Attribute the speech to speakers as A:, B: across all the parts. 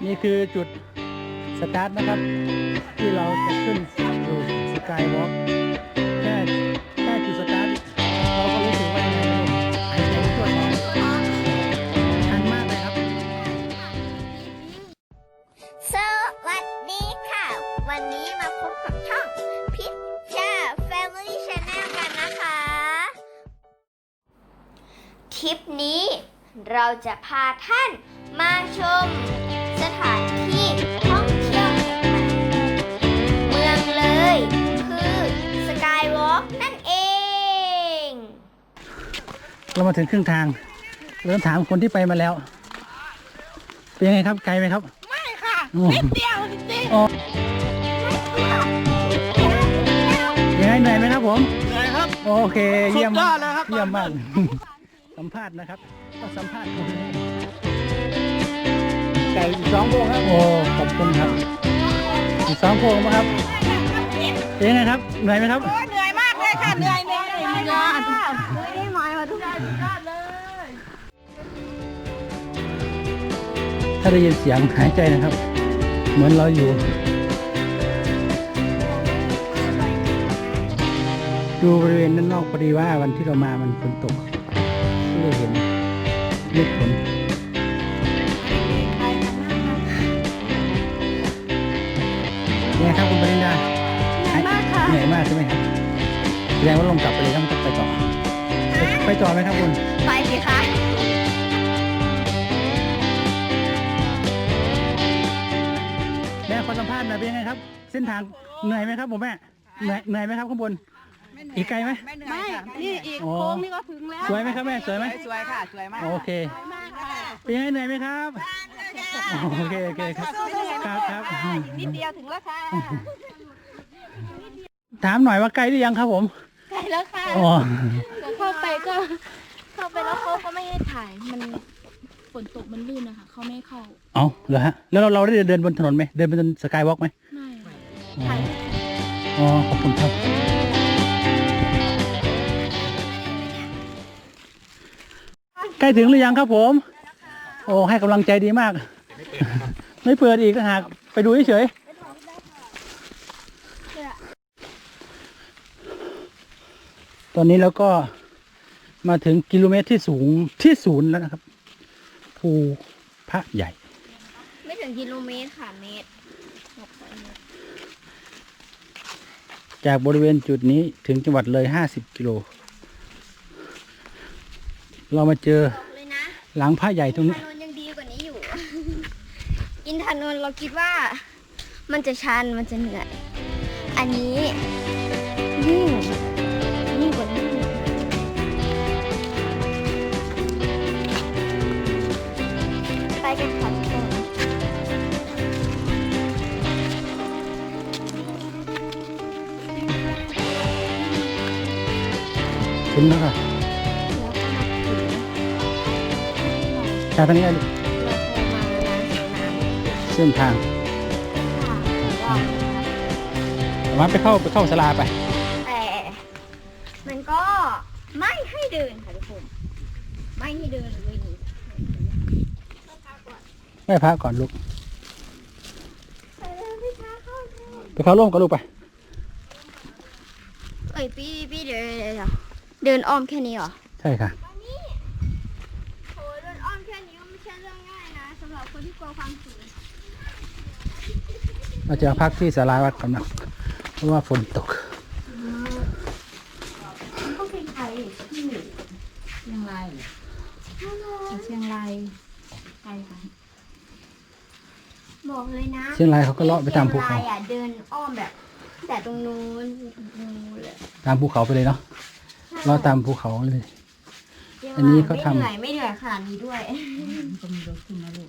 A: นี่คือจุดสตาร์ทนะครับที่เราจะขึ้นสู่สกายวอล์กแค่จุดสตาร์ทเราก็รู้สึกว่ายังไงไม่รู้หายใจไม่ทั่วท้องชันมากเลยครับ
B: สวัสดีค่ะ วันนี้มาพบกับช่องพิชชา Family Channel กันนะคะทริปนี้เราจะพาท่านมาชมสถานที่ท่องเที่ยวแห่งใหม่เมืองเลยคือสกายวอล์กนั่นเอง
A: เรามาถึงครึ่งทางเริ่มถามคนที่ไปมาแล้วเป็นยังไงครับไกลไหมครับ
C: ไม่ค่ะ
A: โอ้
C: นิดเดียวจริง
A: อ๋อยังไงเหนื่อยไหมครับผม
C: ๆเลยครับ
A: โอเคเยี่ยม
C: สุดยอดเลยครับ
A: เยี่ยมมากสัมภาษณ์นะครับก็สัมภาษณ์คนนี้ไก่อีก2 โพงครับโอ้ขอบคุณครับอีก2 โพงนะครับเป็นยังไงครับเหนื่อยไหมครับ
C: โอ้ยเหนื่อยมากเลยค่ะเหนื่อยเลยยอดได้หมายมาทุกอย่างยอดเลย
A: ถ้าได้ยินเสียงหายใจนะครับ เหมือนเราอยู่ดูบริเวณด้านนอกพอดีว่าวันที่เรามามันฝนตกก็เลยเห็นเม็ดฝนเนี่ยครับคุณปริญญา
C: เหนื่อยมากค่ะ
A: เหนื่อยมากใช่ไหมครับแสดงว่าลงกลับไปเลยต้องไปต่อไปต่อไหมครับคุณ
B: ไปสิคะ
A: แม่ขอสัมภาษณ์หน่อยเป็นยังไงครับ เส้นทางเหนื่อยไหมครับผมแม่เหนื่อยไหมครับข้างบนอีกไกลไหม
C: ไม่นี่อีก
A: อ๋อ
C: โค้งนี่ก็ถึงแล้ว
A: สวยไหมครับแม่สวยไหม
C: สวยค่ะสวยมาก
A: โอเคเป็นยังไงเหนื่อยไหมครับโอเคครับครับ
C: นิดเดียวถึงแล้วค่ะ
A: ถามหน่อยว่าใกล้หรือยังครับผม
B: ใกล้แล้วค่ะ
A: อ๋อ
B: เข้าไปแล้วเขาก็ไม่ให้ถ่ายมันฝนตกมันลื่นนะคะเขาไม่ให้เข้า
A: เอาเหรอฮะแล้วเราได้เดินบนถนนไหมเดินบนสกายวอล์กไหม
B: ไม่
A: อ๋อ
B: ถ่าย
A: อ๋อขอบคุณครับใกล้ถึงหรือยังครับผม โอ้ให้กำลังใจดีมาก ไม่เปิดอีกต่างหากไปดูเฉยๆตอนนี้เราก็มาถึงกิโลเมตรที่สูงที่0แล้วนะครับภูพระใหญ่
B: ไม่ถึงกิโลเมตรค่ะเมตร
A: จากบริเวณจุดนี้ถึงจังหวัดเลย50 กิโลเรามาเจอ
B: บอกเลยนะ
A: หลังพระใหญ่ตรงนี้
B: ถนนยังดีกว่านี้อยู่ อินทนนท์เราคิดว่ามันจะชันมันจะเหนื่อย อันนี้ยิ่งกว่านี้ไปกันค่ะทุกคน
A: ถึงแล้วค่ะจากทางนี้เลยเส้นทางมาไปเข้าศาลาไป
B: แต่มันก็ไม่ให้เดินค่ะทุกคน ไม่ให้เดินเลยนี่
A: ไม่พักก่อนลูก
B: ไปเลยพี่ช้าเข้าเถอะ
A: ไปเข้าร่วมกับลูกไป
B: เอ้ยพี่เดินอ้อมแค่นี้เหรอ
A: ใช่ค่ะ
B: โหเดินอ้อมแค่นี้ก็ไม่ใช่เรื่องง่ายนะสำหรับคนที่กลัวความสูง
A: เราจะพักที่ศาลาวัดก่อนนะเพราะว่าฝนตก
B: ก็เป็นใครที่
C: เชียงรายเชียงรายไกลค่ะ
B: บอกเลยนะ
A: เชียงรายเขาก็เลาะไปตามภูเขา
B: ชียงรยอะเดินอ้อมแบบแต่ตรงนู้นถึงตรงนู้นเลย
A: ตามภูเขาไปเลยเนาะเลาะตามภูเขาเลย
B: ชียงรย
A: อันนี้เขาทำ
B: ไม่เหนื่อยขนาดนี้ด้วย
C: ก็มีรถขึ้นมาลูก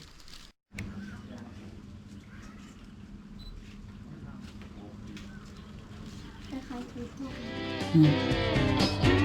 B: คล้ายๆคือพวก
A: อืม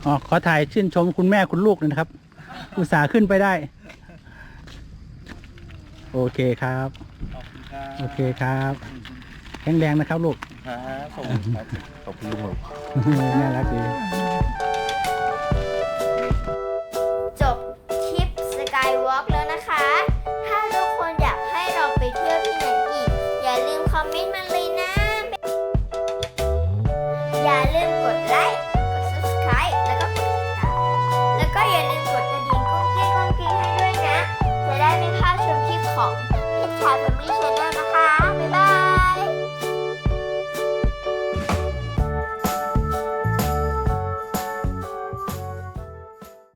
A: อ๋อขอถ่ายชื่นชมคุณแม่คุณลูกหน่อยนะครับ อุตส่าห์ขึ้นไปได้ โอเคครับ
D: ขอบคุณครับ
A: โอเคครับแข็งแรงนะครับลูก
D: ครับส่งครับขอบคุณลุงครับ
A: น่ารักดี
B: จบทริปสกายวอล์กแล้วนะคะ ถ้าทุกคนอยากให้เราไปเที่ยวที่ไหนอีก อย่าลืมคอมเมนต์มาเลยนะ อย่า